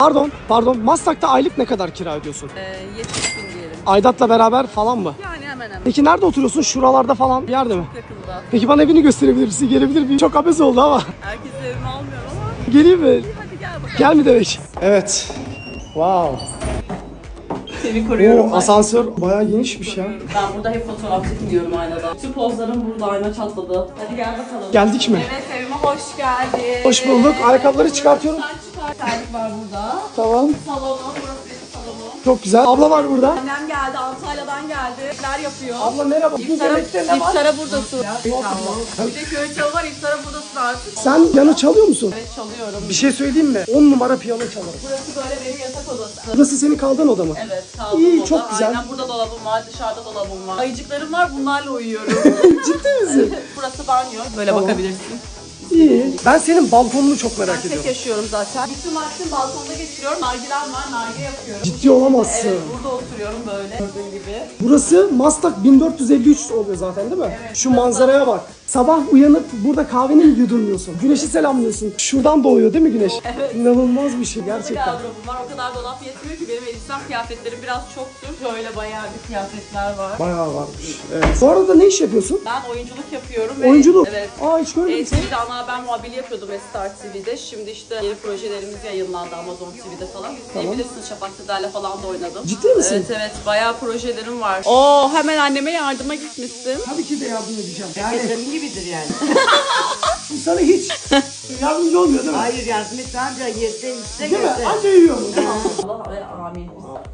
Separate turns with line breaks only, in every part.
Pardon. Maslak'ta aylık ne kadar kira ödüyorsun?
70.000 diyelim.
Aidatla beraber falan mı?
Yani hemen hemen.
Peki nerede oturuyorsun? Şuralarda falan bir yerde mi?
Yakında.
Peki bana evini gösterebilir misin? Gelebilir miyim? Çok abes oldu ama.
Herkes evimi almıyorum ama.
Geleyim mi?
Hadi gel bakalım.
Gel mi demek? Evet. Wow.
Seni koruyorum.
Asansör bayağı genişmiş ya.
Ben burada hep fotoğraf çekiliyorum aynada. Bütün pozlarım burada, ayna çatladı. Hadi gel bakalım.
Geldik mi?
Evet, evime hoş geldin.
Hoş bulduk. Ayakkabıları çıkartıyorum.
Sen çıkar. Terlik var burada.
Tamam.
Salonum, burası benim salonum.
Çok güzel. Abla var burada.
Annem geldi, Antalya'dan geldi. Neler yapıyor?
Abla merhaba. Bu yemekte ne var?
İftara buradasın. Bir de köy çalı var, iftara buradasın artık.
Sen yanı çalıyor musun?
Evet, çalıyorum.
Bir şey söyleyeyim mi? 10 numara piyano çalarım.
Burası böyle benim yatak odası.
Burası senin kaldığın oda mı?
Evet, kaldım
İyi,
oda.
çok güzel.
Aynen, burada dolabım var, dışarıda dolabım var. Ayıcıklarım var, bunlarla uyuyorum.
Ciddi misin?
Burası banyo. Böyle
Tamam.
bakabilirsin.
İyi. Ben senin balkonunu çok merak
Ben tek
ediyorum.
yaşıyorum zaten. Bütün vaktimi balkonda geçiriyorum. Nargilem var, nargile yapıyorum.
Ciddi olamazsın.
Evet, burada oturuyorum böyle. Gördüğün gibi.
Burası Maslak 1453 oluyor zaten değil mi?
Evet.
Şu manzaraya bak. Sabah uyanıp burada kahveni mi yudumluyorsun? Güneşi selamlıyorsun. Şuradan doğuyor değil mi güneş?
Evet.
İnanılmaz bir şey
Burada
gerçekten.
gardırobum var. O kadar dolap yetmiyor ki benim elbisem kıyafetlerim biraz çoktur. Şöyle bayağı bir kıyafetler var.
Bayağı varmış. Evet. Bu arada ne iş yapıyorsun?
Ben oyunculuk yapıyorum.
Oyunculuk.
Evet.
Aa hiç görmedim seni.
TV'de ana haber muhabiri yapıyordum Star TV'de. Şimdi işte yeni projelerimiz yayınlandı Amazon TV'de falan. İzleyebilirsiniz. Şafak Sezer'le falan da oynadım.
Ciddi misin?
Evet evet. Bayağı projelerim var. Oo, hemen anneme yardıma gitmişsin.
Tabii ki de yardım edeceğim. Yani
Senin gibidir yani.
sana hiç yardımcı olmuyor değil mi?
Hayır yardım et anca yese işte
Değil mi?
götür.
Anca yiyor mu? Değil mi?
Allah ve amin.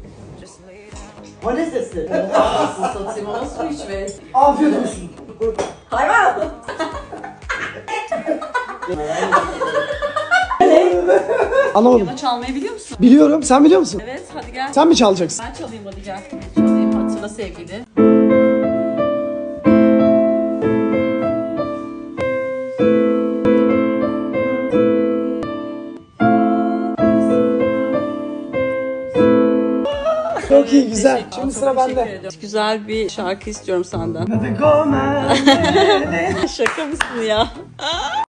O ne sesi?
Nasıl satayım ama su içme.
Afiyet olsun.
Hayvan!
Anlamadım.
Piyano çalmayı biliyor musun?
Biliyorum. Sen biliyor musun?
Evet, hadi gel.
Sen mi çalacaksın?
Ben çalayım, hadi gel. Çalayım, hatırla sevgili.
Çok iyi, güzel.
Teşekkür-
Şimdi
Çok
sıra
teşekkür
bende.
ediyorum. Güzel bir şarkı istiyorum senden.
Hadi go man.
Şaka mısın ya?